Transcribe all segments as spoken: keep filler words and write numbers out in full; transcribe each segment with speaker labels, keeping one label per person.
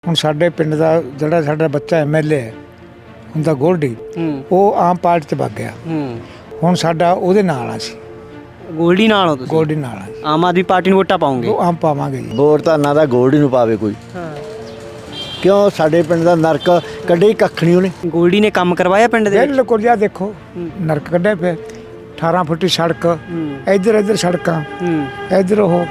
Speaker 1: ਹੁਣ ਸਾਡੇ ਪਿੰਡ ਦਾ ਜਿਹੜਾ ਸਾਡਾ ਬੱਚਾ ਐਮ ਐਲ ਏ ਹੁੰਦਾ ਗੋਲਡੀ, ਉਹ ਆਮ ਪਾਰਟੀ 'ਚ ਵਗ ਗਿਆ। ਹੁਣ ਸਾਡਾ ਉਹਦੇ ਨਾਲ ਆ ਸੀ।
Speaker 2: ਗੋਲਡੀ ਨਾਲ ਹੋ ਤੁਸੀਂ?
Speaker 1: ਗੋਲਡੀ ਨਾਲ ਆ।
Speaker 2: ਆਮ ਆਦਮੀ ਪਾਰਟੀ ਨੂੰ ਵੋਟਾਂ ਪਾਉਂਗੇ?
Speaker 1: ਉਹ ਆਮ ਪਾਵਾਂਗੇ ਜੀ।
Speaker 3: ਵੋਟ ਤਾਂ ਨਾ ਦਾ ਗੋਲਡੀ ਨੂੰ ਪਾਵੇ ਕੋਈ।
Speaker 2: ਹਾਂ,
Speaker 3: ਕਿਉਂ? ਸਾਡੇ ਪਿੰਡ ਦਾ ਨਰਕ ਕੱਢੇ ਕੱਖ ਨਹੀਂ ਉਹਨੇ।
Speaker 2: ਗੋਲਡੀ ਨੇ ਕੰਮ ਕਰਵਾਇਆ ਪਿੰਡ ਦੇ ਵਿੱਚ?
Speaker 1: ਬਿਲਕੁਲ ਜੀ, ਦੇਖੋ ਨਰਕ ਕੱਢਿਆ ਪਿਆ। ਅਠਾਰਾਂ ਫੁੱਟੀ ਸੜਕ, ਇੱਧਰ ਇੱਧਰ ਸੜਕਾਂ, ਇੱਧਰ ਉਹ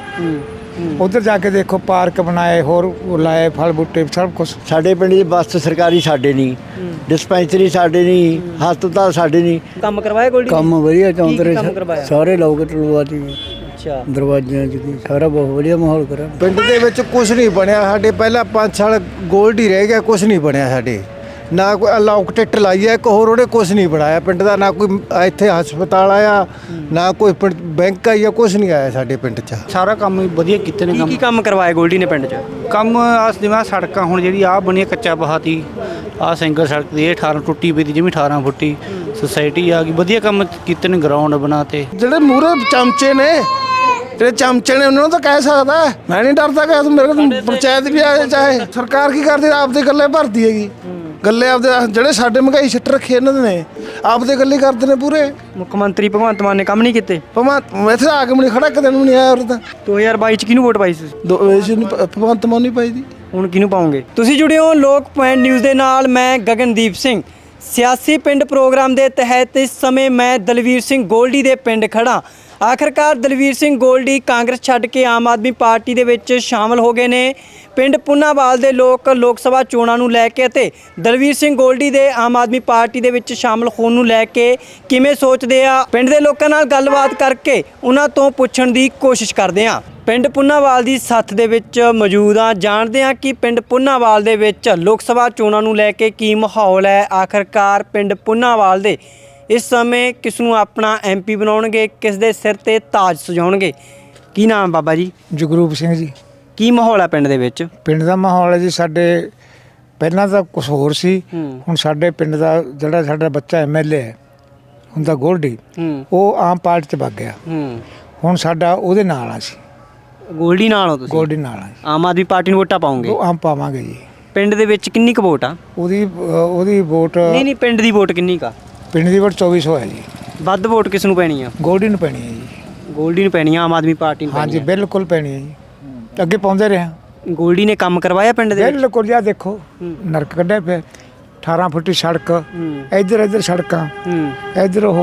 Speaker 1: ਉਧਰ ਜਾ ਕੇ ਦੇਖੋ ਪਾਰਕ ਬਣਾਏ, ਹੋਰ ਲਾਏ ਫਲ ਬੂਟੇ ਸਭ ਕੁਛ।
Speaker 3: ਸਾਡੇ ਪਿੰਡ ਦੀ ਬੱਸ ਸਰਕਾਰੀ ਸਾਡੇ ਨਹੀਂ, ਡਿਸਪੈਂਸਰੀ ਸਾਡੇ ਨਹੀਂ, ਹਸਪਤਾਲ ਸਾਡੇ ਨਹੀਂ।
Speaker 2: ਕੰਮ ਕਰਵਾਇਆ ਗੋਲਡੀ?
Speaker 4: ਕੰਮ ਵਧੀਆ ਚੌਂਤਰੇ
Speaker 2: ਕੰਮ ਕਰਵਾਇਆ?
Speaker 4: ਸਾਰੇ ਲੋਕ ਟਲਵਾ ਦੀ
Speaker 2: ਅੱਛਾ,
Speaker 4: ਦਰਵਾਜ਼ਿਆਂ 'ਚ ਦੀ ਸਾਰਾ ਬਹੁਤ ਵਧੀਆ ਮਾਹੌਲ ਕਰਾ।
Speaker 5: ਪਿੰਡ ਦੇ ਵਿੱਚ ਕੁਝ ਨਹੀਂ ਬਣਿਆ ਸਾਡੇ। ਪਹਿਲਾਂ ਪੰਜ ਸਾਲ ਗੋਲਡ ਹੀ ਰਹਿ ਗਿਆ, ਕੁਝ ਨਹੀਂ ਬਣਿਆ ਸਾਡੇ। ਨਾ ਕੋਈ ਅਲਾਉਕ ਟਿੱਟ ਲਾਈ ਹੈ, ਇੱਕ ਹੋਰ ਉਹਨੇ ਕੁਝ ਨਹੀਂ ਬਣਾਇਆ ਪਿੰਡ ਦਾ। ਨਾ ਕੋਈ ਇੱਥੇ ਹਸਪਤਾਲ ਆਇਆ, ਨਾ ਕੋਈ ਬੈਂਕ ਆਈ ਆ, ਕੁਝ ਨਹੀਂ ਆਇਆ ਸਾਡੇ ਪਿੰਡ 'ਚ।
Speaker 6: ਸਾਰਾ ਕੰਮ ਵਧੀਆ ਕੀਤੇ ਨੇ।
Speaker 2: ਕੀ ਕੀ ਕੰਮ ਕਰਵਾਇਆ ਗੋਲਡੀ ਨੇ ਪਿੰਡ 'ਚ?
Speaker 6: ਕੰਮ ਆਸ ਜਿਵੇਂ ਸੜਕਾਂ ਹੁਣ ਜਿਹੜੀ ਆਹ ਬਣੀ ਕੱਚਾ ਬਹਾਤੀ, ਆਹ ਸਿੰਗਲ ਸੜਕ ਦੀ ਇਹ ਅਠਾਰਾਂ ਟੁੱਟੀ ਪਈ ਦੀ, ਜਿਵੇਂ ਅਠਾਰਾਂ ਫੁੱਟੀ ਸੁਸਾਇਟੀ ਆ ਗਈ। ਵਧੀਆ ਕੰਮ ਕੀਤੇ ਨੇ, ਗਰਾਊਂਡ ਬਣਾਤੇ।
Speaker 5: ਜਿਹੜੇ ਮੂਹਰੇ ਚਮਚੇ ਨੇ, ਜਿਹੜੇ ਚਮਚੇ ਨੇ ਉਹਨਾਂ ਨੂੰ ਤਾਂ ਕਹਿ ਸਕਦਾ। ਮੈਂ ਨਹੀਂ ਡਰਦਾ ਕਿ ਮੇਰੇ ਕੋਲ ਪੰਚਾਇਤ ਵੀ ਆਏ, ਚਾਹੇ ਸਰਕਾਰ ਕੀ ਕਰਦੀ, ਆਪਦੇ ਗੱਲੇ ਭਰਦੀ ਹੈਗੀ। ਗੱਲੇ ਆਪਦੇ ਜਿਹੜੇ ਸਾਡੇ ਮਹਿੰਗਾਈ ਸਿੱਟ ਰੱਖੇ ਇਹਨਾਂ ਦੇ ਨੇ, ਆਪਦੇ ਗੱਲੇ ਕਰਦੇ ਨੇ ਪੂਰੇ।
Speaker 2: ਮੁੱਖ ਮੰਤਰੀ ਭਗਵੰਤ ਮਾਨ ਨੇ ਕੰਮ ਨਹੀਂ ਕੀਤੇ?
Speaker 5: ਭਗਵੰਤ ਇੱਥੇ ਆ ਕੇ ਮੈਨੂੰ ਖੜਾ ਕਦੇ ਨੂੰ ਨਹੀਂ ਆਇਆ ਉਰੇ ਤਾਂ।
Speaker 2: ਦੋ ਹਜ਼ਾਰ ਬਾਈ 'ਚ ਕਿਹਨੂੰ ਵੋਟ ਪਾਈ ਸੀ?
Speaker 5: ਦੋ ਇਸ ਨੂੰ ਭਗਵੰਤ ਮਾਨ ਨਹੀਂ ਪਾਈ ਦੀ।
Speaker 2: ਹੁਣ ਕਿਹਨੂੰ ਪਾਉਂਗੇ? ਤੁਸੀਂ ਜੁੜੇ ਹੋ ਲੋਕ ਪੁਆਇੰਟ ਨਿਊਜ਼ ਦੇ ਨਾਲ। ਮੈਂ ਗਗਨਦੀਪ ਸਿੰਘ। ਸਿਆਸੀ ਪਿੰਡ ਪ੍ਰੋਗਰਾਮ ਦੇ ਤਹਿਤ ਇਸ ਸਮੇਂ ਮੈਂ ਦਲਵੀਰ ਸਿੰਘ ਗੋਲਡੀ ਦੇ ਪਿੰਡ ਖੜਾ। ਆਖਰਕਾਰ ਦਲਵੀਰ ਸਿੰਘ ਗੋਲਡੀ ਕਾਂਗਰਸ ਛੱਡ ਕੇ ਆਮ ਆਦਮੀ ਪਾਰਟੀ ਦੇ ਵਿੱਚ ਸ਼ਾਮਲ ਹੋ ਗਏ ਨੇ। ਪਿੰਡ ਪੁੰਨਾਵਾਲ ਦੇ ਲੋਕ ਲੋਕ ਸਭਾ ਚੋਣਾਂ ਨੂੰ ਲੈ ਕੇ ਅਤੇ ਦਲਵੀਰ ਸਿੰਘ ਗੋਲਡੀ ਦੇ ਆਮ ਆਦਮੀ ਪਾਰਟੀ ਦੇ ਵਿੱਚ ਸ਼ਾਮਲ ਹੋਣ ਨੂੰ ਲੈ ਕੇ ਕਿਵੇਂ ਸੋਚਦੇ ਆ, ਪਿੰਡ ਦੇ ਲੋਕਾਂ ਨਾਲ ਗੱਲਬਾਤ ਕਰਕੇ ਉਹਨਾਂ ਤੋਂ ਪੁੱਛਣ ਦੀ ਕੋਸ਼ਿਸ਼ ਕਰਦੇ ਆ। ਪਿੰਡ ਪੁੰਨਾਵਾਲ ਦੀ ਸੱਥ ਦੇ ਵਿੱਚ ਮੌਜੂਦ ਆ, ਜਾਣਦੇ ਆ ਕਿ ਪਿੰਡ ਪੁੰਨਾਵਾਲ ਦੇ ਵਿੱਚ ਲੋਕ ਸਭਾ ਚੋਣਾਂ ਨੂੰ ਲੈ ਕੇ ਕੀ ਮਾਹੌਲ ਹੈ। ਆਖਰਕਾਰ ਪਿੰਡ ਪੁੰਨਾਵਾਲ ਦੇ ਇਸ ਸਮੇਂ ਕਿਸ ਨੂੰ ਆਪਣਾ ਐਮ ਪੀ ਬਣਾਉਣਗੇ, ਕਿਸ ਦੇ ਸਿਰ ਤੇ ਤਾਜ ਸਜਾਉਣਗੇ। ਕੀ ਨਾਮ ਬਾਬਾ ਜੀ?
Speaker 1: ਜਗਰੂਪ ਸਿੰਘ ਜੀ।
Speaker 2: ਕੀ ਮਾਹੌਲ ਹੈ ਪਿੰਡ ਦੇ ਵਿੱਚ?
Speaker 1: ਪਿੰਡ ਦਾ ਮਾਹੌਲ ਹੈ ਜੀ, ਸਾਡੇ ਪਹਿਲਾਂ ਤਾਂ ਕੁਛ ਹੋਰ ਸੀ। ਹੁਣ ਸਾਡੇ ਪਿੰਡ ਦਾ ਜਿਹੜਾ ਸਾਡਾ ਬੱਚਾ ਐਮ ਐਲ ਏ ਹੁੰਦਾ ਗੋਲਡੀ, ਉਹ ਆਮ ਪਾਰਟੀ 'ਚ ਵਗ ਗਿਆ। ਹੁਣ ਸਾਡਾ ਉਹਦੇ ਨਾਲ ਆ ਸੀ।
Speaker 2: ਗੋਲਡੀ ਨਾਲ ਹੋ ਤੁਸੀਂ?
Speaker 1: ਗੋਲਡੀ ਨਾਲ ਆ।
Speaker 2: ਆਮ ਆਦਮੀ ਪਾਰਟੀ ਨੂੰ ਵੋਟਾਂ ਪਾਉਂਗੇ?
Speaker 1: ਉਹ ਆਮ ਪਾਵਾਂਗੇ ਜੀ।
Speaker 2: ਪਿੰਡ ਦੇ ਵਿੱਚ ਕਿੰਨੀ ਕੁ ਵੋਟ ਆ?
Speaker 1: ਉਹਦੀ ਉਹਦੀ ਵੋਟ,
Speaker 2: ਨਹੀਂ ਨਹੀਂ ਪਿੰਡ ਦੀ ਵੋਟ ਕਿੰਨੀ ਕਾ?
Speaker 1: ਪਿੰਡ ਦੀ ਵੋਟ ਚੌਵੀ ਸੌ ਹੈ ਜੀ।
Speaker 2: ਵੱਧ ਵੋਟ ਕਿਸ ਨੂੰ ਪੈਣੀ ਆ?
Speaker 1: ਗੋਲਡੀ ਨੂੰ ਪੈਣੀ ਹੈ ਜੀ।
Speaker 2: ਗੋਲਡੀ ਨੂੰ ਪੈਣੀ ਆ, ਆਮ ਆਦਮੀ ਪਾਰਟੀ ਨੂੰ?
Speaker 1: ਹਾਂਜੀ ਬਿਲਕੁਲ ਪੈਣੀ ਹੈ ਜੀ। ਅੱਗੇ ਪਾਉਂਦੇ ਰਹੇ।
Speaker 2: ਗੋਲਡੀ ਨੇ ਕੰਮ ਕਰਵਾਇਆ ਪਿੰਡ ਦੇ ਵਿੱਚ?
Speaker 1: ਬਿਲਕੁਲ ਜੀ, ਦੇਖੋ ਨਰਕ ਕੱਢਿਆ ਪਿਆ। ਅਠਾਰਾਂ ਫੁੱਟੀ ਸੜਕ, ਇੱਧਰ ਇੱਧਰ ਸੜਕਾਂ, ਇੱਧਰ ਉਹ।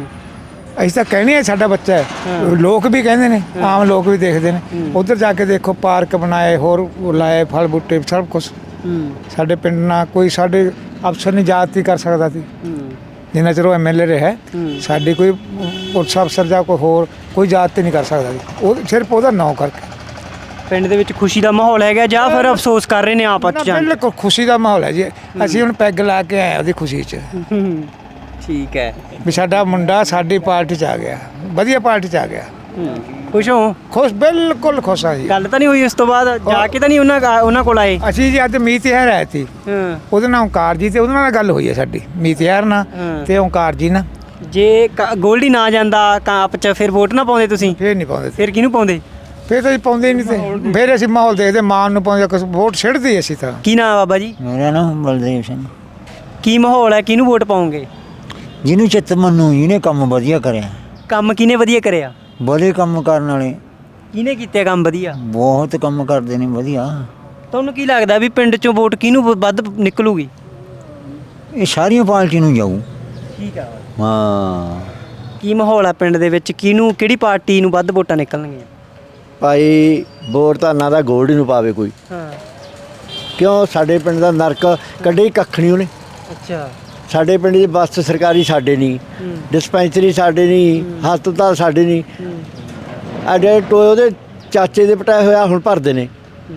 Speaker 1: ਅਸੀਂ ਤਾਂ ਕਹਿੰਦੇ ਆ ਸਾਡਾ ਬੱਚਾ ਹੈ, ਲੋਕ ਵੀ ਕਹਿੰਦੇ ਨੇ, ਆਮ ਲੋਕ ਵੀ ਦੇਖਦੇ ਨੇ। ਉਧਰ ਜਾ ਕੇ ਦੇਖੋ ਪਾਰਕ ਬਣਾਏ, ਹੋਰ ਲਾਏ ਫਲ ਬੂਟੇ ਸਭ ਕੁਛ। ਸਾਡੇ ਪਿੰਡ ਨਾਲ ਕੋਈ ਸਾਡੇ ਅਫਸਰ ਨਹੀਂ ਜਾਤੀ ਕਰ ਸਕਦਾ ਸੀ ਜਿੰਨਾ ਚਿਰ ਉਹ ਐਮ ਐਲ ਏ ਰਿਹਾ। ਸਾਡੀ ਕੋਈ ਪੁਲਿਸ ਅਫਸਰ ਜਾਂ ਕੋਈ ਹੋਰ ਕੋਈ ਜਾਤੀ ਨਹੀਂ ਕਰ ਸਕਦਾ ਸੀ, ਉਹ ਸਿਰਫ ਉਹਦਾ ਨਾਂ ਕਰਕੇ।
Speaker 2: ਪਿੰਡ ਦੇ ਵਿੱਚ ਖੁਸ਼ੀ ਦਾ ਮਾਹੌਲ ਹੈਗਾ ਜਾਂ ਫਿਰ ਅਫਸੋਸ ਕਰ ਰਹੇ ਨੇ ਆਪਸ ਚ?
Speaker 1: ਬਿਲਕੁਲ ਖੁਸ਼ੀ ਦਾ ਮਾਹੌਲ ਹੈ ਜੀ। ਅਸੀਂ ਹੁਣ ਪੈਗ ਲਾ ਕੇ ਆਏ ਉਹਦੀ ਖੁਸ਼ੀ 'ਚ
Speaker 2: ਠੀਕ ਹੈ
Speaker 1: ਵੀ ਸਾਡਾ ਮੁੰਡਾ ਸਾਡੀ ਪਾਰਟੀ 'ਚ ਆ ਗਿਆ, ਵਧੀਆ ਪਾਰਟੀ 'ਚ ਆ ਗਿਆ।
Speaker 2: ਖੁਸ਼ ਹੋ?
Speaker 1: ਖੁਸ਼, ਬਿਲਕੁਲ ਖੁਸ਼ ਆ ਜੀ।
Speaker 2: ਗੱਲ ਤਾਂ ਨਹੀਂ ਹੋਈ ਉਸ ਤੋਂ ਬਾਅਦ ਜਾ ਕੇ? ਤਾਂ ਨਹੀਂ ਉਹਨਾਂ ਉਹਨਾਂ ਕੋਲ ਆਏ?
Speaker 1: ਅਸੀਂ ਜੀ ਅੱਜ ਮੀਤ ਯਾਰ ਆਏ ਸੀ, ਉਹਦੇ ਨਾਲ ਓਂਕਾਰ ਜੀ ਤੇ ਉਹਦੇ ਨਾਲ ਗੱਲ ਹੋਈ ਹੈ ਸਾਡੀ, ਮੀਤ ਯਾਰ ਨਾਲ ਤੇ ਓਂਕਾਰ ਜੀ ਨਾਲ।
Speaker 2: ਜੇ ਗੋਲਡੀ ਨਾ ਜਾਂਦਾ ਕਾਂਪ ਚ, ਫਿਰ ਵੋਟ ਨਾ ਪਾਉਂਦੇ ਤੁਸੀਂ?
Speaker 1: ਫੇਰ ਨਹੀਂ ਪਾਉਂਦੇ।
Speaker 2: ਫਿਰ ਕਿਹਨੂੰ ਪਾਉਂਦੇ?
Speaker 1: ਫੇਰ ਤਾਂ ਅਸੀਂ ਪਾਉਂਦੇ ਨਹੀਂ ਤੇ ਫੇਰ ਅਸੀਂ ਮਾਹੌਲ ਦੇਖਦੇ, ਮਾਨ ਨੂੰ ਪਾਉਂਦੇ, ਕੁਛ ਵੋਟ ਛਿੜਦੇ ਅਸੀਂ ਤਾਂ।
Speaker 2: ਕੀ ਨਾਮ ਬਾਬਾ ਜੀ?
Speaker 4: ਮੇਰਾ ਨਾਮ ਬਲਦੇਵ ਸਿੰਘ।
Speaker 2: ਕੀ ਮਾਹੌਲ ਹੈ, ਕਿਹਨੂੰ ਵੋਟ ਪਾਉਂਗੇ?
Speaker 4: ਜਿਹਨੂੰ ਚਿੱਤ ਮੰਨੂ, ਜਿਹਨੇ ਕੰਮ ਵਧੀਆ ਕਰਿਆ।
Speaker 2: ਕੰਮ ਕਿਹਨੇ ਵਧੀਆ ਕਰਿਆ?
Speaker 4: ਬੜੇ ਕੰਮ ਕਰਨ ਵਾਲੇ
Speaker 2: ਕਿਹਨੇ ਕੀਤੇ ਕੰਮ ਵਧੀਆ?
Speaker 4: ਬਹੁਤ ਕੰਮ ਕਰਦੇ ਨੇ ਵਧੀਆ।
Speaker 2: ਤੁਹਾਨੂੰ ਕੀ ਲੱਗਦਾ ਵੀ ਪਿੰਡ ਚੋਂ ਵੋਟ ਕਿਹਨੂੰ ਵੱਧ ਨਿਕਲੂਗੀ?
Speaker 4: ਇਹ ਸਾਰੀਆਂ ਪਾਰਟੀ ਨੂੰ ਜਾਊ।
Speaker 2: ਠੀਕ ਆ।
Speaker 4: ਹਾਂ।
Speaker 2: ਕੀ ਮਾਹੌਲ ਆ ਪਿੰਡ ਦੇ ਵਿੱਚ, ਕਿਹਨੂੰ ਕਿਹੜੀ ਪਾਰਟੀ ਨੂੰ ਵੱਧ ਵੋਟਾਂ ਨਿਕਲਣਗੀਆਂ?
Speaker 3: ਭਾਈ ਵੋਟ ਤਾਂ ਨਾ ਦਾ ਗੋਲਡੀ ਨੂੰ ਪਾਵੇ ਕੋਈ।
Speaker 2: ਹਾਂ।
Speaker 3: ਕਿਉਂ? ਸਾਡੇ ਪਿੰਡ ਦਾ ਨਰਕ ਕੱਢੇ ਕੱਖ ਨਹੀਂ ਉਹਨੇ।
Speaker 2: ਅੱਛਾ।
Speaker 3: ਸਾਡੇ ਪਿੰਡ ਦੀ ਬੱਸ ਸਰਕਾਰੀ ਸਾਡੇ ਨਹੀਂ, ਡਿਸਪੈਂਸਰੀ ਸਾਡੇ ਨਹੀਂ, ਹਸਪਤਾਲ ਸਾਡੇ ਨਹੀਂ। ਐਡੇ ਟੋਏ ਉਹਦੇ ਚਾਚੇ ਦੇ ਪਟਾਏ ਹੋਇਆ ਹੁਣ ਭਰਦੇ ਨੇ।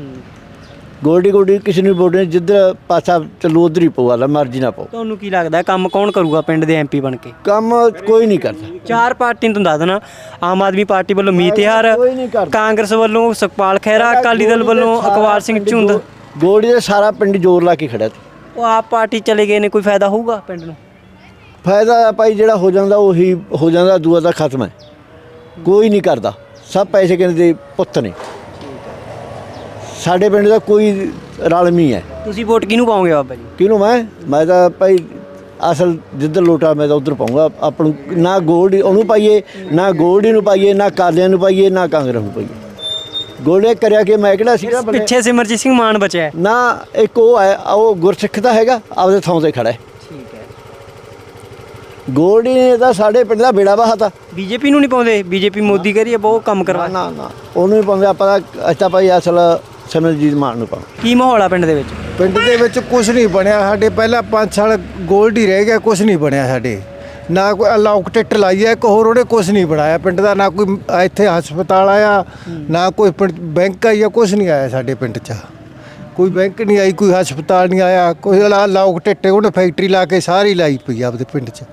Speaker 3: ਗੋਲਡੀ ਗੋਲਡੀ ਕਿਸੇ ਨੂੰ ਵੋਟ ਨਹੀਂ, ਜਿੱਧਰ ਪਾਸਾ ਚੱਲੂ ਉਧਰ ਹੀ ਪਊ, ਲਾ ਮਰਜ਼ੀ ਨਾ ਪਾਓ।
Speaker 2: ਤੁਹਾਨੂੰ ਕੀ ਲੱਗਦਾ ਕੰਮ ਕੌਣ ਕਰੂਗਾ ਪਿੰਡ ਦੇ ਐਮ ਪੀ ਬਣ ਕੇ?
Speaker 3: ਕੰਮ ਕੋਈ ਨਹੀਂ ਕਰਦਾ।
Speaker 2: ਚਾਰ ਪਾਰਟੀਆਂ ਤੁਹਾਨੂੰ ਦੱਸ ਦੇਣਾ। ਆਮ ਆਦਮੀ ਪਾਰਟੀ ਵੱਲੋਂ ਮੀਤ ਯਾਰ, ਕਾਂਗਰਸ ਵੱਲੋਂ ਸੁਖਪਾਲ ਖਹਿਰਾ, ਅਕਾਲੀ ਦਲ ਵੱਲੋਂ ਅਕਵਾਲ ਸਿੰਘ ਝੁੰਦ।
Speaker 3: ਗੋਲਡੀ ਦੇ ਸਾਰਾ ਪਿੰਡ ਜ਼ੋਰ ਲਾ ਕੇ ਖੜਿਆ ਸੀ।
Speaker 2: ਉਹ ਆਪ ਪਾਰਟੀ ਚਲੇ ਗਏ ਨੇ, ਕੋਈ ਫਾਇਦਾ ਹੋਊਗਾ ਪਿੰਡ ਨੂੰ?
Speaker 3: ਫਾਇਦਾ ਭਾਈ ਜਿਹੜਾ ਹੋ ਜਾਂਦਾ ਉਹੀ ਹੋ ਜਾਂਦਾ, ਦੂਆ ਦਾ ਖਤਮ ਹੈ। ਕੋਈ ਨਹੀਂ ਕਰਦਾ, ਸਭ ਪੈਸੇ ਕਹਿੰਦੇ ਪੁੱਤ ਨੇ। ਸਾਡੇ ਪਿੰਡ ਦਾ ਕੋਈ ਰਲਮੀ ਹੈ।
Speaker 2: ਤੁਸੀਂ ਵੋਟ ਕਿਹਨੂੰ ਪਾਓਗੇ ਬਾਬਾ ਜੀ?
Speaker 3: ਕਿਹਨੂੰ ਮੈਂ ਮੈਂ ਤਾਂ ਭਾਈ ਅਸਲ ਜਿੱਧਰ ਲੋਟਾ ਮੈਂ ਤਾਂ ਉਧਰ ਪਾਉਂਗਾ ਆਪਾਂ ਨੂੰ। ਨਾ ਗੋਲਡੀ ਉਹਨੂੰ ਪਾਈਏ, ਨਾ ਗੋਲਡੀ ਨੂੰ ਪਾਈਏ, ਨਾ ਕਾਲਿਆਂ ਨੂੰ ਪਾਈਏ, ਨਾ ਕਾਂਗਰਸ ਨੂੰ ਪਾਈਏ। ਗੋਲਡੇ ਕਰਿਆ ਕਿ ਮੈਂ ਕਿਹੜਾ ਸੀਗਾ ਬੰਦੇ-
Speaker 2: ਪਿੱਛੇ ਸਿਮਰਜੀਤ ਸਿੰਘ ਮਾਨ ਬਚਿਆ ਹੈ।
Speaker 3: ਨਾ ਇੱਕ ਉਹ ਹੈ, ਉਹ ਗੁਰਸਿੱਖ ਦਾ ਹੈਗਾ, ਆਪਦੇ ਥਾਂ ਤੇ ਖੜਾ ਹੈ।
Speaker 2: ਠੀਕ ਹੈ।
Speaker 3: ਗੋਲਡੀ ਨੇ ਤਾਂ ਸਾਡੇ ਪਿੰਡ ਦਾ ਬੇੜਾ ਬਹਾਤਾ।
Speaker 2: ਬੀਜੇਪੀ ਨੂੰ ਨਹੀਂ ਪਾਉਂਦੇ? ਬੀਜੇਪੀ ਮੋਦੀ ਕਰੀ ਬਹੁਤ ਕੰਮ ਕਰਵਾ।
Speaker 3: ਨਾ ਨਾ ਉਹਨੂੰ ਹੀ ਪਾਉਂਦੇ ਆਪਾਂ ਤਾਂ। ਅੱਛਾ ਭਾਈ ਅਸਲ ਸਿਮਰਜੀਤ ਮਾਨ ਨੂੰ ਪਾਉਂ।
Speaker 2: ਕੀ ਮਾਹੌਲ ਆ ਪਿੰਡ ਦੇ ਵਿੱਚ?
Speaker 7: ਪਿੰਡ ਦੇ ਵਿੱਚ ਕੁਝ ਨਹੀਂ ਬਣਿਆ ਸਾਡੇ। ਪਹਿਲਾਂ ਪੰਜ ਸਾਲ ਗੋਲਡ ਹੀ ਰਹਿ ਗਿਆ, ਕੁਝ ਨਹੀਂ ਬਣਿਆ ਸਾਡੇ। ਨਾ ਕੋਈ ਅਲਾਉਕ ਟਿੱਟ ਲਾਈ ਹੈ, ਇੱਕ ਹੋਰ ਉਹਨੇ ਕੁਝ ਨਹੀਂ ਬਣਾਇਆ ਪਿੰਡ ਦਾ। ਨਾ ਕੋਈ ਇੱਥੇ ਹਸਪਤਾਲ ਆਇਆ, ਨਾ ਕੋਈ ਪਿੰਡ ਬੈਂਕ ਆਇਆ, ਕੁਝ ਨਹੀਂ ਆਇਆ ਸਾਡੇ ਪਿੰਡ 'ਚ। ਕੋਈ ਬੈਂਕ ਨਹੀਂ ਆਈ, ਕੋਈ ਹਸਪਤਾਲ ਨਹੀਂ ਆਇਆ, ਕੋਈ ਅਲਾਉਕ ਟਿੱਟੇ ਉਹਨੇ ਫੈਕਟਰੀ ਲਾ ਕੇ ਸਾਰੀ ਲਾਈ ਪਈ ਆਪਦੇ ਪਿੰਡ 'ਚ।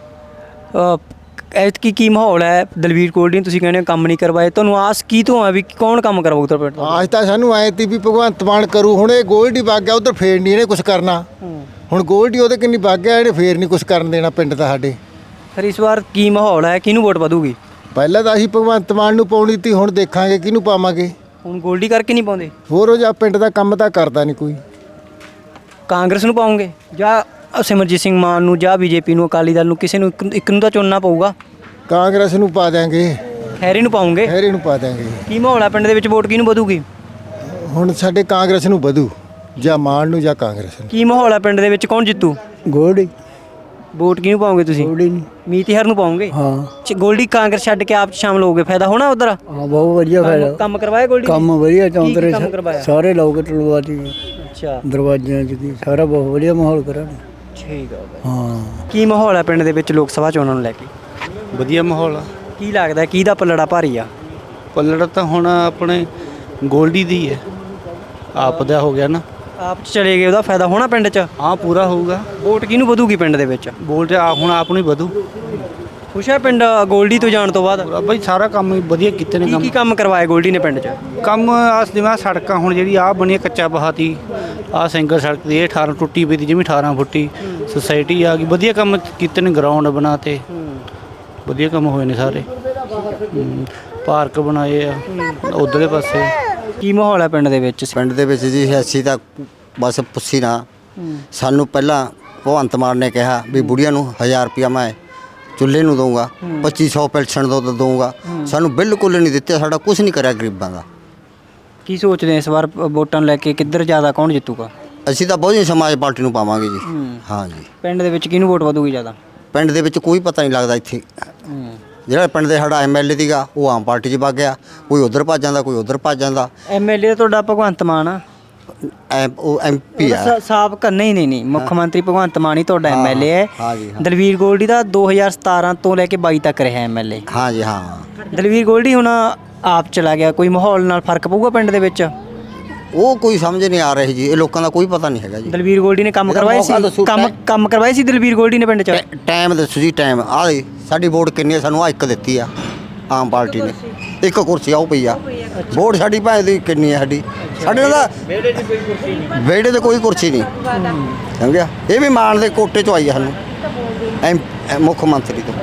Speaker 2: ਐਤਕੀ ਕੀ ਮਾਹੌਲ ਹੈ? ਦਲਵੀਰ ਗੋਲਡੀ ਨੇ ਤੁਸੀਂ ਕਹਿੰਦੇ ਹੋ ਕੰਮ ਨਹੀਂ ਕਰਵਾਏ, ਤੁਹਾਨੂੰ ਆਸ ਕੀ ਤੋਂ ਆ ਵੀ ਕੌਣ ਕੰਮ ਕਰਵਾਊ ਤੁਹਾਡੇ ਪਿੰਡ ਤੋਂ?
Speaker 7: ਅੱਜ ਤਾਂ ਸਾਨੂੰ ਆਏ ਤੀ ਵੀ ਭਗਵੰਤ ਮਾਨ ਕਰੂ। ਹੁਣ ਇਹ ਗੋਲਡ ਹੀ ਵਗ ਗਿਆ ਉਧਰ, ਫੇਰ ਨਹੀਂ ਇਹਨੇ ਕੁਝ ਕਰਨਾ। ਹੁਣ ਗੋਲਡ ਹੀ ਉਹਦੇ ਕਿੰਨੀ ਵਗ ਗਿਆ, ਇਹਨੇ ਫੇਰ ਨਹੀਂ ਕੁਝ ਕਰਨ ਦੇਣਾ ਪਿੰਡ ਦਾ ਸਾਡੇ।
Speaker 2: ਫਿਰ ਇਸ ਵਾਰ ਕੀ ਮਾਹੌਲ ਹੈ? ਕਿਹਨੂੰ ਵੋਟ ਵਧੂਗੀ?
Speaker 7: ਪਹਿਲਾਂ ਤਾਂ ਅਸੀਂ ਭਗਵੰਤ ਮਾਨ ਨੂੰ ਪਾਉਣੀ ਤੀ, ਹੁਣ ਦੇਖਾਂਗੇ ਕਿਹਨੂੰ ਪਾਵਾਂਗੇ।
Speaker 2: ਹੁਣ ਗੋਲਡੀ ਕਰਕੇ ਨਹੀਂ ਪਾਉਂਦੇ?
Speaker 7: ਹੋਰ ਉਹ ਜਾਂ ਪਿੰਡ ਦਾ ਕੰਮ ਤਾਂ ਕਰਦਾ ਨਹੀਂ ਕੋਈ।
Speaker 2: ਕਾਂਗਰਸ ਨੂੰ ਪਾਉਂਗੇ ਜਾਂ ਸਿਮਰਜੀਤ ਸਿੰਘ ਮਾਨ ਨੂੰ ਜਾਂ ਬੀਜੇਪੀ ਨੂੰ, ਅਕਾਲੀ ਦਲ ਨੂੰ? ਕਿਸੇ ਨੂੰ ਇੱਕ- ਇੱਕ ਨੂੰ ਤਾਂ ਚੁਣਨਾ ਪਊਗਾ।
Speaker 7: ਕਾਂਗਰਸ ਨੂੰ ਪਾ ਦਿਆਂਗੇ,
Speaker 2: ਖੈਰੀ ਨੂੰ ਪਾਉਂਗੇ?
Speaker 7: ਹੈਰੀ ਨੂੰ ਪਾ ਦਿਆਂਗੇ।
Speaker 2: ਕੀ ਮਾਹੌਲ ਹੈ ਪਿੰਡ ਦੇ ਵਿੱਚ? ਵੋਟ ਕਿਹਨੂੰ ਵਧੂਗੀ?
Speaker 7: ਹੁਣ ਸਾਡੇ ਕਾਂਗਰਸ ਨੂੰ ਵਧੂ, ਜਾਂ ਮਾਨ ਨੂੰ ਜਾਂ ਕਾਂਗਰਸ ਨੂੰ।
Speaker 2: ਕੀ ਮਾਹੌਲ ਹੈ ਪਿੰਡ ਦੇ ਵਿੱਚ? ਕੌਣ ਜਿੱਤੂ?
Speaker 1: ਗੋਲਡੀ
Speaker 2: ਵੋਟ ਕਿਹਨੂੰ ਪਾਉਂਗੇ ਤੁਸੀਂ?
Speaker 1: ਗੋਲਡੀ ਨਹੀਂ।
Speaker 2: ਮੀਤਿਹਰ ਨੂੰ ਪਾਉਂਗੇ?
Speaker 1: ਹਾਂ
Speaker 2: ਗੋਲਡੀ ਕਾਂਗਰਸ ਛੱਡ ਕੇ ਆਪ 'ਚ ਸ਼ਾਮਲ ਹੋਗੇ, ਫਾਇਦਾ ਹੋਣਾ ਉਧਰ?
Speaker 1: ਹਾਂ ਬਹੁਤ ਵਧੀਆ
Speaker 2: ਕੰਮ- ਕੰਮ ਕਰਵਾਇਆ ਗੋਲਡੀ ਨੇ?
Speaker 1: ਕੰਮ ਵਧੀਆ
Speaker 2: ਕੀ- ਕੀ
Speaker 1: ਚੌਂਤਰੇ
Speaker 2: ਕੰਮ ਕਰਵਾਇਆ?
Speaker 1: ਸਾਰੇ ਲੋਕ ਟਲਵਾਤੀ
Speaker 2: ਅੱਛਾ
Speaker 1: ਦਰਵਾਜ਼ਿਆਂ 'ਚ ਦੀ ਸਾਰਾ ਬਹੁਤ ਵਧੀਆ ਮਾਹੌਲ ਕਰਾਂਗੇ।
Speaker 2: ਠੀਕ ਆ।
Speaker 1: ਹਾਂ
Speaker 2: ਕੀ ਮਾਹੌਲ ਹੈ ਪਿੰਡ ਦੇ ਵਿੱਚ ਲੋਕ ਸਭਾ ਚੋਣਾਂ ਨੂੰ ਲੈ ਕੇ?
Speaker 6: ਵਧੀਆ ਮਾਹੌਲ ਆ।
Speaker 2: ਕੀ ਲੱਗਦਾ ਕਿਹਦਾ ਪੱਲੜਾ ਭਾਰੀ ਆ?
Speaker 6: ਪੱਲੜ ਤਾਂ ਹੁਣ ਆਪਣੇ ਗੋਲਡੀ ਦੀ ਹੈ, ਆਪ ਦਾ ਹੋ ਗਿਆ ਨਾ।
Speaker 2: ਆਪ 'ਚ ਚਲੇ ਗਏ, ਉਹਦਾ ਫਾਇਦਾ ਹੋਣਾ ਪਿੰਡ 'ਚ?
Speaker 6: ਹਾਂ ਪੂਰਾ ਹੋਊਗਾ।
Speaker 2: ਵੋਟ ਕਿਹਨੂੰ ਵਧੂਗੀ ਪਿੰਡ ਦੇ ਵਿੱਚ?
Speaker 6: ਬੋਲ ਤੇ ਆ ਹੁਣ ਆਪ ਨੂੰ ਹੀ ਵਧੂ
Speaker 2: ਖੁਸ਼ ਹੈ ਪਿੰਡ ਗੋਲਡੀ ਤੋਂ ਜਾਣ ਤੋਂ ਬਾਅਦ?
Speaker 6: ਪੂਰਾ ਬਈ। ਸਾਰਾ ਕੰਮ ਹੀ ਵਧੀਆ ਕੀਤੇ ਨੇ
Speaker 2: ਕੀ
Speaker 6: ਕੰਮ।
Speaker 2: ਕੀ ਕੰਮ ਕਰਵਾਏ ਗੋਲਡੀ ਨੇ ਪਿੰਡ 'ਚ?
Speaker 6: ਕੰਮ ਆਸ ਜਿਵੇਂ ਆਹ ਸੜਕਾਂ ਹੁਣ ਜਿਹੜੀ ਆਹ ਬਣੀ ਹੈ ਕੱਚਾ ਬਹਾਤੀ, ਆਹ ਸਿੰਗਲ ਸੜਕ ਦੀ ਇਹ ਅਠਾਰਾਂ ਟੁੱਟੀ ਪਈ ਦੀ ਜਿਵੇਂ ਅਠਾਰਾਂ ਫੁੱਟੀ ਸੁਸਾਇਟੀ ਆ ਗਈ। ਵਧੀਆ ਕੰਮ ਕੀਤੇ ਨੇ, ਗਰਾਊਂਡ ਬਣਾਤੇ, ਵਧੀਆ ਕੰਮ ਹੋਏ ਨੇ ਸਾਰੇ। ਹੂੰ, ਪਾਰਕ ਬਣਾਏ ਆ ਉਧਰਲੇ ਪਾਸੇ।
Speaker 2: ਕੀ ਮਾਹੌਲ ਹੈ ਪਿੰਡ ਦੇ ਵਿੱਚ?
Speaker 8: ਪਿੰਡ ਦੇ ਵਿੱਚ ਜੀ ਅਸੀਂ ਤਾਂ ਬਸ ਪੁੱਛੀ ਨਾ। ਸਾਨੂੰ ਪਹਿਲਾਂ ਭਗਵੰਤ ਮਾਨ ਨੇ ਕਿਹਾ ਵੀ ਬੁੜੀਆਂ ਨੂੰ ਹਜ਼ਾਰ ਰੁਪਇਆ ਮੈਂ ਚੁੱਲ੍ਹੇ ਨੂੰ ਦਊਂਗਾ, ਪੱਚੀ ਸੌ ਪੈਨਸ਼ਨ ਦੋ ਦਊਂਗਾ। ਸਾਨੂੰ ਬਿਲਕੁਲ ਨਹੀਂ ਦਿੱਤੇ, ਸਾਡਾ ਕੁਝ ਨਹੀਂ ਕਰਿਆ ਗਰੀਬਾਂ ਦਾ।
Speaker 2: ਕੀ ਸੋਚਦੇ ਇਸ ਵਾਰ ਵੋਟਾਂ ਨੂੰ ਲੈ ਕੇ ਕਿੱਧਰ ਜ਼ਿਆਦਾ ਕੌਣ ਜਿੱਤੂਗਾ?
Speaker 8: ਅਸੀਂ ਤਾਂ ਬਹੁਜਨ ਸਮਾਜ ਪਾਰਟੀ ਨੂੰ ਪਾਵਾਂਗੇ ਜੀ। ਹਾਂ ਜੀ।
Speaker 2: ਪਿੰਡ ਦੇ ਵਿੱਚ ਕਿਹਨੂੰ ਵੋਟ ਵਧੂਗੀ ਜ਼ਿਆਦਾ?
Speaker 8: ਪਿੰਡ ਦੇ ਵਿੱਚ ਕੋਈ ਪਤਾ ਨਹੀਂ ਲੱਗਦਾ ਇੱਥੇ। ਜਿਹੜਾ ਪਿੰਡ ਦੇ ਸਾਡਾ ਐਮ ਐਲ ਏ ਸੀਗਾ ਉਹ ਆਮ ਪਾਰਟੀ 'ਚ ਵਗ ਗਿਆ, ਕੋਈ ਉਧਰ ਭੱਜ ਜਾਂਦਾ, ਕੋਈ ਉਧਰ ਭੱਜ ਜਾਂਦਾ।
Speaker 2: ਐਮ ਐਲ ਏ ਤੁਹਾਡਾ ਭਗਵੰਤ ਮਾਨ ਆ?
Speaker 8: ਐ ਉਹ ਐਮ ਪੀ ਆ।
Speaker 2: ਸਾਬਕਾ ਨਹੀਂ ਨਹੀਂ ਨਹੀਂ ਮੁੱਖ ਮੰਤਰੀ ਭਗਵੰਤ ਮਾਨ ਹੀ ਤੁਹਾਡਾ ਐਮ ਐਲ ਏ ਹੈ।
Speaker 8: ਹਾਂ ਜੀ, ਹਾਂ।
Speaker 2: ਦਲਵੀਰ ਗੋਲਡੀ ਦਾ ਦੋ ਹਜ਼ਾਰ ਸਤਾਰਾਂ ਤੋਂ ਲੈ ਕੇ ਬਾਈ ਤੱਕ ਰਿਹਾ ਐਮ ਐਲ ਏ।
Speaker 8: ਹਾਂ ਜੀ ਹਾਂ।
Speaker 2: ਦਲਵੀਰ ਗੋਲਡੀ ਹੁਣ ਆਪ ਚਲਾ ਗਿਆ, ਕੋਈ ਮਾਹੌਲ ਨਾਲ ਫਰਕ ਪਊਗਾ ਪਿੰਡ ਦੇ ਵਿੱਚ?
Speaker 8: ਉਹ ਕੋਈ ਸਮਝ ਨਹੀਂ ਆ ਰਹੀ ਜੀ, ਇਹ ਲੋਕਾਂ ਦਾ ਕੋਈ ਪਤਾ ਨਹੀਂ ਹੈਗਾ ਜੀ।
Speaker 2: ਦਲਵੀਰ ਗੋਲਡੀ ਨੇ ਕੰਮ
Speaker 8: ਇਹਦਾ
Speaker 2: ਕਰਵਾਏ
Speaker 8: ਮੌਕਾ
Speaker 2: ਸੀ?
Speaker 8: ਦੱਸੋ,
Speaker 2: ਕੰਮ
Speaker 8: ਟੈ-
Speaker 2: ਕੰਮ ਕਰਵਾਏ ਸੀ ਦਲਵੀਰ ਗੋਲਡੀ ਨੇ ਪਿੰਡ 'ਚ?
Speaker 8: ਟੈ- ਟਾਈਮ ਦੱਸੋ ਜੀ, ਟਾਈਮ ਆ ਦੇ ਸਾਡੀ ਵੋਟ ਕਿੰਨੀ ਹੈ? ਸਾਨੂੰ ਆ ਇੱਕ ਦਿੱਤੀ ਆ ਆਮ ਪਾਰਟੀ ਨੇ, ਇੱਕ ਕੁਰਸੀ ਆਉ ਪਈ ਆ। ਵੋਟ ਸਾਡੀ ਭਾਵੇਂ ਦੀ ਕਿੰਨੀ ਹੈ ਸਾਡੀ? ਸਾਡੇ ਨਾਲ ਤਾਂ ਵਿਹੜੇ ਤੇ ਕੋਈ ਕੁਰਸੀ ਨਹੀਂ ਸਮਝਿਆ। ਇਹ ਵੀ ਮਾਨ ਦੇ ਕੋਟੇ 'ਚੋਂ ਆਈ ਆ ਸਾਨੂੰ, ਐਮ ਐਮ ਮੁੱਖ ਮੰਤਰੀ ਤੋਂ।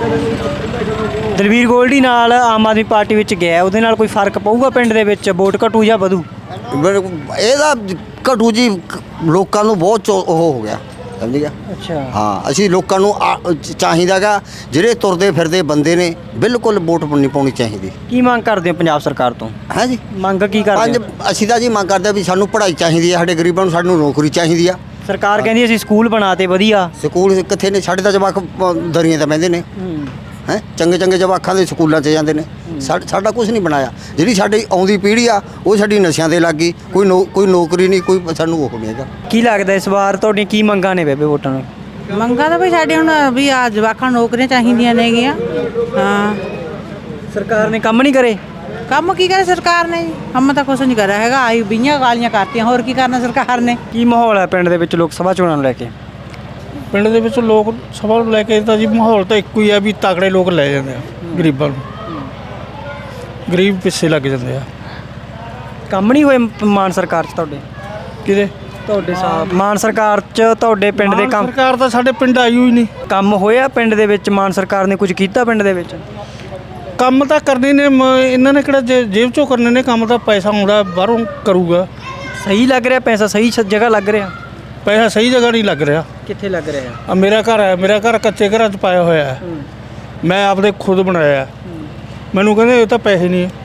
Speaker 2: ਦਲਵੀਰ ਗੋਲਡੀ ਨਾਲ ਆਮ ਆਦਮੀ ਪਾਰਟੀ ਵਿੱਚ ਗਿਆ, ਉਹਦੇ ਨਾਲ ਕੋਈ ਫਰਕ ਪਊਗਾ ਪਿੰਡ ਦੇ ਵਿੱਚ? ਵੋਟ ਘਟੂ ਜਾਂ ਵਧੂ?
Speaker 8: ਇਹਦਾ ਘਟੂ ਜੀ, ਲੋਕਾਂ ਨੂੰ ਬਹੁਤ ਚੋ- ਉਹ ਹੋ ਗਿਆ ਸਮਝ ਗਿਆ।
Speaker 2: ਅੱਛਾ
Speaker 8: ਹਾਂ, ਅਸੀਂ ਲੋਕਾਂ ਨੂੰ ਆ- ਚ- ਚਾਹੀਦਾਗਾ ਜਿਹੜੇ ਤੁਰਦੇ ਫਿਰਦੇ ਬੰਦੇ ਨੇ ਬਿਲਕੁਲ ਵੋਟ ਨਹੀਂ ਪਾਉਣੀ ਚਾਹੀਦੀ।
Speaker 2: ਕੀ ਮੰਗ ਕਰਦੇ ਹੋ ਪੰਜਾਬ ਸਰਕਾਰ ਤੋਂ?
Speaker 8: ਹੈ ਜੀ।
Speaker 2: ਮੰਗ ਕੀ ਕਰਦੇ
Speaker 8: ਪੰਜ
Speaker 2: ਹੋ?
Speaker 8: ਅਸੀਂ ਤਾਂ ਜੀ ਮੰਗ ਕਰਦੇ ਆ ਵੀ ਸਾਨੂੰ ਪੜ੍ਹਾਈ ਚਾਹੀਦੀ ਹੈ, ਸਾਡੇ ਗਰੀਬਾਂ ਨੂੰ ਸਾਨੂੰ ਨੌਕਰੀ ਚਾਹੀਦੀ ਆ।
Speaker 2: ਸਰਕਾਰ ਕਹਿੰਦੀ ਅਸੀਂ ਸਕੂਲ ਬਣਾਤੇ ਵਧੀਆ।
Speaker 8: ਸਕੂਲ ਕਿੱਥੇ ਨੇ? ਸਾਡੇ ਤਾਂ ਜਵਾਕ ਪ- ਦਰੀਆਂ ਤੇ ਬਹਿੰਦੇ ਨੇ ਹੈ। ਚੰਗੇ ਚੰਗੇ ਜਵਾਕਾਂ ਦੇ ਸਕੂਲਾਂ 'ਚ ਜਾਂਦੇ ਨੇ। ਸਾ- ਸਾਡਾ ਕੁਝ ਨਹੀਂ ਬਣਾਇਆ। ਜਿਹੜੀ ਸਾਡੀ ਆਉਂਦੀ ਪੀੜ੍ਹੀ ਆ ਉਹ ਸਾਡੀ ਨਸ਼ਿਆਂ ਦੇ ਲੱਗ ਗਈ। ਕੋਈ ਨੌ ਕੋਈ ਨੌਕਰੀ ਨਹੀਂ, ਕੋਈ ਸਾਨੂੰ ਉਹ ਨਹੀਂ ਹੈਗਾ।
Speaker 2: ਕੀ ਲੱਗਦਾ ਇਸ ਵਾਰ ਤੁਹਾਡੀਆਂ ਕੀ ਮੰਗਾਂ ਨੇ ਬੇਬੇ ਵੋਟਾਂ ਨੂੰ?
Speaker 9: ਮੰਗਾਂ ਤਾਂ ਵੀ ਸਾਡੇ ਹੁਣ ਵੀ ਆ ਜਵਾਕਾਂ ਨੂੰ ਨੌਕਰੀਆਂ ਚਾਹੀਦੀਆਂ ਨੇਗੀਆਂ। ਹਾਂ
Speaker 2: ਸਰਕਾਰ ਨੇ ਕੰਮ ਨਹੀਂ ਕਰੇ?
Speaker 9: ਕੰਮ ਕੀ ਕਰੇ ਸਰਕਾਰ ਨੇ ਜੀ? ਕੰਮ ਤਾਂ ਕੁਛ ਨਹੀਂ ਕਰਿਆ ਹੈਗਾ। ਆਈ ਬੀਆਂ ਗਾਲੀਆਂ ਕਰਤੀਆਂ, ਹੋਰ ਕੀ ਕਰਨਾ ਸਰਕਾਰ ਨੇ?
Speaker 2: ਕੀ ਮਾਹੌਲ ਹੈ ਪਿੰਡ ਦੇ ਵਿੱਚ ਲੋਕ ਸਭਾ ਚੋਣਾਂ ਨੂੰ ਲੈ ਕੇ?
Speaker 10: ਪਿੰਡ ਦੇ ਵਿੱਚ ਲੋਕ ਸਭਾ ਨੂੰ ਲੈ ਕੇ ਤਾਂ ਜੀ ਮਾਹੌਲ ਤਾਂ ਇੱਕੋ ਹੀ ਆ ਵੀ ਤਕੜੇ ਲੋਕ ਲੈ ਜਾਂਦੇ ਆ ਗਰੀਬਾਂ ਨੂੰ, ਗਰੀਬ ਪਿੱਛੇ ਲੱਗ ਜਾਂਦੇ ਆ।
Speaker 2: ਕੰਮ ਨਹੀਂ ਹੋਏ ਮਾਨ ਸਰਕਾਰ 'ਚ ਤੁਹਾਡੇ?
Speaker 10: ਕਿਤੇ
Speaker 2: ਤੁਹਾਡੇ ਸਾਹਿਬ ਮਾਨ ਸਰਕਾਰ 'ਚ ਤੁਹਾਡੇ ਪਿੰਡ ਦੇ ਕੰਮ
Speaker 10: ਸਰਕਾਰ ਤਾਂ ਸਾਡੇ ਪਿੰਡ ਆਈ ਹੋਈ ਨਹੀਂ।
Speaker 2: ਕੰਮ ਹੋਇਆ ਪਿੰਡ ਦੇ ਵਿੱਚ? ਮਾਨ ਸਰਕਾਰ ਨੇ ਕੁਝ ਕੀਤਾ ਪਿੰਡ ਦੇ ਵਿੱਚ?
Speaker 10: ਕੰਮ ਤਾਂ ਕਰਨੇ ਨੇ ਮ- ਇਹਨਾਂ ਨੇ ਕਿਹੜਾ ਜੇ- ਜੇਬ ਚੋਂ ਕਰਨੇ ਨੇ ਕੰਮ, ਤਾਂ ਪੈਸਾ ਆਉਂਦਾ ਬਾਹਰੋਂ ਕਰੂਗਾ।
Speaker 2: ਸਹੀ ਲੱਗ ਰਿਹਾ ਪੈਸਾ, ਸਹੀ ਸ- ਜਗ੍ਹਾ ਲੱਗ ਰਿਹਾ?
Speaker 10: ਪੈਸਾ ਸਹੀ ਜਗ੍ਹਾ ਨਹੀਂ ਲੱਗ ਰਿਹਾ।
Speaker 2: ਕਿੱਥੇ ਲੱਗ ਰਿਹਾ?
Speaker 10: ਆ ਮੇਰਾ ਘਰ ਹੈ, ਮੇਰਾ ਘਰ ਕੱਚੇ ਘਰਾਂ 'ਚ ਪਾਇਆ ਹੋਇਆ ਹੈ, ਮੈਂ ਆਪਦੇ ਖੁਦ ਬਣਾਇਆ। ਮੈਨੂੰ ਕਹਿੰਦੇ ਇਹ ਤਾਂ ਪੈਸੇ ਨਹੀਂ ਹੈ।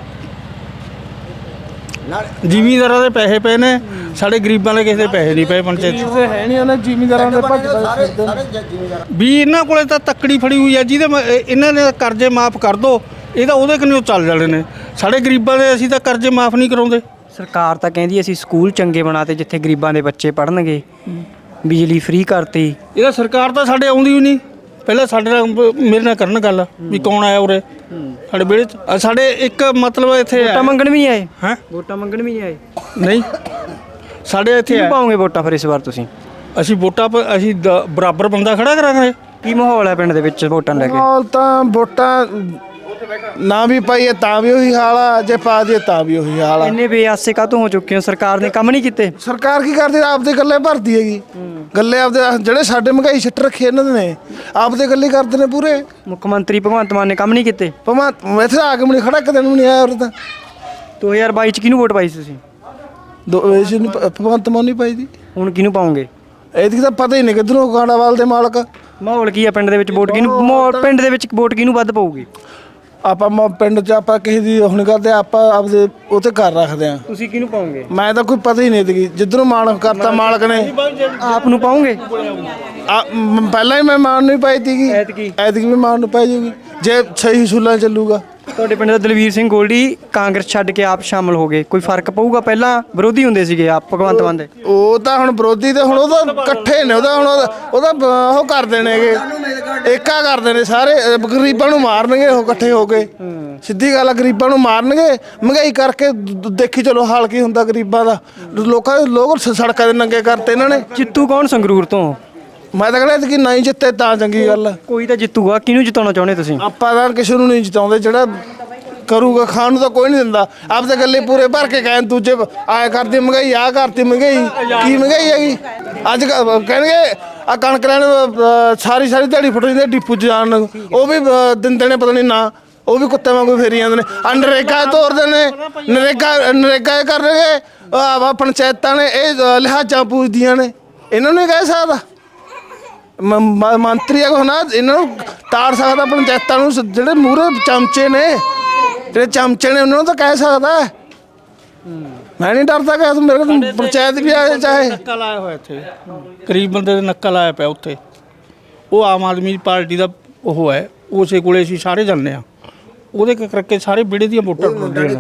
Speaker 10: ਜ਼ਿਮੀਂਦਾਰਾਂ ਦੇ ਪੈਸੇ ਪਏ ਨੇ, ਸਾਡੇ ਗਰੀਬਾਂ ਦੇ ਕਿਸੇ ਦੇ ਪੈਸੇ ਨਹੀਂ ਪਏ ਪੰਚਾਇਤ 'ਚ।
Speaker 5: ਹੈ ਨਹੀਂ ਉਹਨਾਂ ਜ਼ਿਮੀਂਦਾਰਾਂ ਦੇ ਭੱਜਦਾ ਫਿਰਦੇ
Speaker 10: ਵੀ ਇਹਨਾਂ ਕੋਲੇ ਤਾਂ ਤੱਕੜੀ ਫੜੀ ਹੋਈ ਆ, ਜਿਹਦੇ ਮ- ਇਹ- ਇਹਨਾਂ ਨੇ ਕਰਜ਼ੇ ਮਾਫ ਕਰ ਦੋ, ਇਹ ਤਾਂ ਉਹਦੇ ਕਿੰਨੇ ਚੱਲ ਜਾਣੇ ਨੇ। ਸਾਡੇ ਗਰੀਬਾਂ ਦੇ ਅਸੀਂ ਤਾਂ ਕਰਜ਼ੇ ਮਾਫ ਨਹੀਂ ਕਰਾਉਂਦੇ।
Speaker 2: ਸਰਕਾਰ ਤਾਂ ਕਹਿੰਦੀ ਅਸੀਂ ਸਕੂਲ ਚੰਗੇ ਬਣਾਤੇ ਜਿੱਥੇ ਗਰੀਬਾਂ ਦੇ ਬੱਚੇ ਪੜ੍ਹਨਗੇ, ਬਿਜਲੀ ਫ੍ਰੀ ਕਰਤੀ।
Speaker 10: ਇਹਦਾ ਸਰਕਾਰ ਤਾਂ ਸਾਡੇ ਆਉਂਦੀ ਹੀ ਨਹੀਂ। ਪਹਿਲਾਂ ਸਾਡੇ ਨਾਲ ਬ- ਮੇਰੇ ਨਾਲ ਕਰਨ ਗੱਲ ਵੀ ਕੌਣ ਆਇਆ ਉਰੇ ਸਾਡੇ ਵਿਹੜੇ 'ਚ। ਅ ਸਾਡੇ ਇੱਕ ਮਤਲਬ ਇੱਥੇ
Speaker 2: ਵੋਟਾਂ ਮੰਗਣ ਵੀ ਨਹੀਂ ਆਏ?
Speaker 10: ਹੈ
Speaker 2: ਵੋਟਾਂ ਮੰਗਣ ਵੀ ਨਹੀਂ ਆਏ?
Speaker 10: ਨਹੀਂ, ਸਾਡੇ ਇੱਥੇ
Speaker 2: ਕਿਹਨੂੰ
Speaker 10: ਆ।
Speaker 2: ਪਾਓਗੇ ਵੋਟਾਂ ਫਿਰ ਇਸ ਵਾਰ ਤੁਸੀਂ?
Speaker 10: ਅਸੀਂ ਵੋਟਾਂ ਪ- ਅਸੀਂ ਦ- ਬਰਾਬਰ ਬੰਦਾ ਖੜਾ ਕਰਾਂਗੇ।
Speaker 2: ਕੀ ਮਾਹੌਲ ਹੈ ਪਿੰਡ ਦੇ ਵਿੱਚ ਵੋਟਾਂ ਲੈ ਕੇ?
Speaker 5: ਮਾਹੌਲ ਤਾਂ ਵੋਟਾਂ ਨਾ ਵੀ ਪਾਈਏ ਤਾਂ ਵੀ ਉਹੀ ਹਾਲ ਆ, ਜੇ ਪਾ ਦਈਏ ਤਾਂ ਵੀ ਉਹੀ ਹਾਲ ਆ।
Speaker 2: ਇੰਨੇ ਬੇਆਸੇ ਕਾਹਤੋਂ ਹੋ ਚੁੱਕੇ ਹੋ? ਸਰਕਾਰ ਨੇ ਕੰਮ ਨਹੀਂ ਕੀਤੇ?
Speaker 5: ਸਰਕਾਰ ਕੀ ਕਰਦੀ ਆਪਦੇ ਗੱਲੇ ਭਰਦੀ ਹੈਗੀ, ਗੱਲੇ ਆਪਦੇ ਜਿਹੜੇ ਸਾਡੇ ਮਹਿੰਗਾਈ ਛਿੱਟ ਰੱਖੇ ਇਹਨਾਂ ਨੇ ਆਪਦੇ ਗੱਲੇ ਕਰਦੇ ਨੇ ਪੂਰੇ।
Speaker 2: ਮੁੱਖ ਮੰਤਰੀ ਭਗਵੰਤ ਮਾਨ ਨੇ ਕੰਮ ਨਹੀਂ ਕੀਤੇ?
Speaker 5: ਭਾਵੇਂ ਇੱਥੇ ਆ ਕੇ ਮੈਨੂੰ ਖੜਾ ਇੱਕ ਦਿਨ ਵੀ ਨਹੀਂ ਆਇਆ ਉਰੇ ਤਾਂ।
Speaker 2: ਦੋ ਹਜ਼ਾਰ ਬਾਈ ਚ ਕਿਹਨੂੰ ਵੋਟ ਪਾਈ ਸੀ ਤੁਸੀਂ?
Speaker 5: ਦੋ ਇਸ ਨੂੰ ਭ- ਭਗਵੰਤ ਮਾਨ ਨਹੀਂ ਪਾਈ ਦੀ,
Speaker 2: ਹੁਣ ਕਿਹਨੂੰ ਪਾਓਗੇ?
Speaker 5: ਇਹਦੀ ਤਾਂ ਪਤਾ ਹੀ ਨਹੀਂ ਕਿੱਧਰੋਂ ਗਾਂਡਾਵਾਲ ਦੇ ਮਾਲਕ।
Speaker 2: ਮਾਹੌਲ ਕੀ ਆ ਪਿੰਡ ਦੇ ਵਿੱਚ? ਵੋਟ ਕਿਹਨੂੰ ਮਾਹੌਲ ਪਿੰਡ ਦੇ ਵਿੱਚ ਵੋਟ ਕਿਹਨੂੰ ਵੱਧ ਪਊਗੀ?
Speaker 5: ਆਪਾਂ ਮ- ਪਿੰਡ 'ਚ ਆਪਾਂ ਕਿਸੇ ਦੀ ਹੁਣ ਕਰਦੇ ਆਪਾਂ ਆਪਦੇ ਉਹ ਤੇ ਘਰ ਰੱਖਦੇ ਆ।
Speaker 2: ਤੁਸੀਂ ਕਿਹਨੂੰ ਪਾਓਗੇ?
Speaker 5: ਮੈਂ ਤਾਂ ਕੋਈ ਪਤਾ ਹੀ ਨਹੀਂ ਦੀ ਜਿੱਧਰੋਂ ਮਾਨ ਕਰਤਾ ਮਾਲਕ ਨੇ।
Speaker 2: ਆਪ ਨੂੰ ਪਾਓਗੇ?
Speaker 5: ਆ ਮ- ਪਹਿਲਾਂ ਹੀ ਮੈਂ ਮਾਨ ਨੂੰ ਹੀ ਪਾਈ ਸੀਗੀ,
Speaker 2: ਐਤਕੀ?
Speaker 5: ਐਤਕੀ ਵੀ ਮਾਨ ਨੂੰ ਪਾਈ ਜੂਗੀ ਜੇ ਸਹੀ ਸੁਲਾ ਚੱਲੂਗਾ।
Speaker 2: ਤੁਹਾਡੇ ਪਿੰਡ ਦਾ ਦਲਵੀਰ ਸਿੰਘ ਗੋਲਡੀ ਕਾਂਗਰਸ ਛੱਡ ਕੇ ਆਪ ਸ਼ਾਮਲ ਹੋ ਗਏ, ਕੋਈ ਫਰਕ ਪਊਗਾ? ਪਹਿਲਾਂ ਵਿਰੋਧੀ ਹੁੰਦੇ ਸੀਗੇ ਆਪ ਭਗਵੰਤ ਮਾਨ ਦੇ।
Speaker 5: ਉਹ ਤਾਂ ਹੁਣ ਵਿਰੋਧੀ ਤੇ ਹੁਣ ਉਹਦਾ ਇਕੱਠੇ ਨੇ, ਉਹਦਾ ਹੁਣ ਉਹਦਾ ਉਹਦਾ ਬ- ਉਹ ਕਰਦੇ ਨੇਗੇ, ਏਕਾ ਕਰਦੇ ਨੇ ਸਾਰੇ। ਅ, ਗਰੀਬਾਂ ਨੂੰ ਮਾਰਨਗੇ ਉਹ ਇਕੱਠੇ ਹੋ ਕੇ। ਸਿੱਧੀ ਗੱਲ ਆ, ਗਰੀਬਾਂ ਨੂੰ ਮਾਰਨਗੇ ਮਹਿੰਗਾਈ ਕਰਕੇ। ਦ- ਦੇਖੀ ਚਲੋ ਹਾਲ ਕੀ ਹੁੰਦਾ ਗਰੀਬਾਂ ਦਾ। ਲੋਕਾਂ ਦੇ ਲੋਕ ਸ- ਸੜਕਾਂ ਦੇ ਨੰਗੇ ਕਰਤੇ ਇਹਨਾਂ ਨੇ।
Speaker 2: ਜਿੱਤੂ ਕੌਣ ਸੰਗਰੂਰ ਤੋਂ?
Speaker 5: ਮੈਂ ਤਾਂ ਕਹਿੰਦਾ ਕਿ ਨਹੀਂ ਜਿੱਤੇ ਤਾਂ ਚੰਗੀ ਗੱਲ ਆ।
Speaker 2: ਕੋਈ ਤਾਂ ਜਿੱਤੂਗਾ, ਕਿਹਨੂੰ ਜਿਤਾਉਣਾ ਚਾਹੁੰਦੇ ਤੁਸੀਂ?
Speaker 5: ਆਪਾਂ ਤਾਂ ਕਿਸੇ ਨੂੰ ਨਹੀਂ ਜਿਤਾਉਂਦੇ, ਜਿਹੜਾ ਕਰੂਗਾ ਖਾਣ ਨੂੰ ਤਾਂ ਕੋਈ ਨਹੀਂ ਦਿੰਦਾ। ਆਪਦੇ ਗੱਲੇ ਪੂਰੇ ਭਰ ਕੇ ਕਹਿਣ ਦੂਜੇ ਆਇਆ ਕਰਦੀ ਮਹਿੰਗਾਈ, ਆਹ ਕਰਤੀ ਮਹਿੰਗਾਈ। ਕੀ ਮਹਿੰਗਾਈ ਹੈਗੀ ਅੱਜ ਕੱਲ੍ਹ? ਕਹਿਣਗੇ ਆ ਕਣਕ ਲੈਣ ਅ, ਸਾਰੀ ਸਾਰੀ ਦਿਹਾੜੀ ਫੁੱਟ ਜਾਂਦੀ ਡਿਪੂ 'ਚ ਜਾਣ ਨੂੰ, ਉਹ ਵੀ ਅ, ਦਿੰਦੇ ਨੇ ਪਤਾ ਨਹੀਂ ਨਾ, ਉਹ ਵੀ ਕੁੱਤੇ ਵਾਂਗੂ ਫੇਰੀ ਜਾਂਦੇ ਨੇ। ਆ ਨਰੇਗਾ ਤੋਰਦੇ ਨੇ, ਨਰੇਗਾ ਨਰੇਗਾ ਇਹ ਕਰਨਗੇ। ਆ ਪੰਚਾਇਤਾਂ ਨੇ ਇਹ ਅ, ਲਿਹਾਜ਼ਾਂ ਪੂਜਦੀਆਂ ਨੇ, ਇਹਨਾਂ ਨੂੰ ਨਹੀਂ ਕਹਿ ਸਕਦਾ। ਮ- ਮ- ਮੰਤਰੀ ਆ ਨਾ, ਇਹਨਾਂ ਨੂੰ ਤਾੜ ਸਕਦਾ ਪੰਚਾਇਤਾਂ ਨੂੰ। ਸ- ਜਿਹੜੇ ਮੂਹਰੇ ਚਮਚੇ ਨੇ, ਜਿਹੜੇ ਚਮਚੇ ਨੇ ਉਹਨਾਂ ਨੂੰ ਤਾਂ ਕਹਿ ਸਕਦਾ। ਮੈਂ ਨਹੀਂ ਡਰਦਾ ਕਿ ਮੇਰੇ ਕੋਲ ਪੰਚਾਇਤ ਵੀ ਆਏ ਚਾਹੇ।
Speaker 10: ਨੱਕਾ ਲਾਇਆ ਹੋਇਆ ਇੱਥੇ, ਗਰੀਬ ਬੰਦੇ ਦੇ ਨੱਕਾ ਲਾਇਆ ਪਿਆ ਉੱਥੇ। ਉਹ ਆਮ ਆਦਮੀ ਪਾਰਟੀ ਦਾ ਉਹ ਹੈ, ਉਸੇ ਕੋਲੇ ਅਸੀਂ ਸਾਰੇ ਜਾਂਦੇ ਆ। ਉਹਦੇ ਕਰਕੇ ਸਾਰੇ ਵਿਹੜੇ ਦੀਆਂ ਵੋਟਾਂ ਟੁੱਟਦੀਆਂ ਨੇ।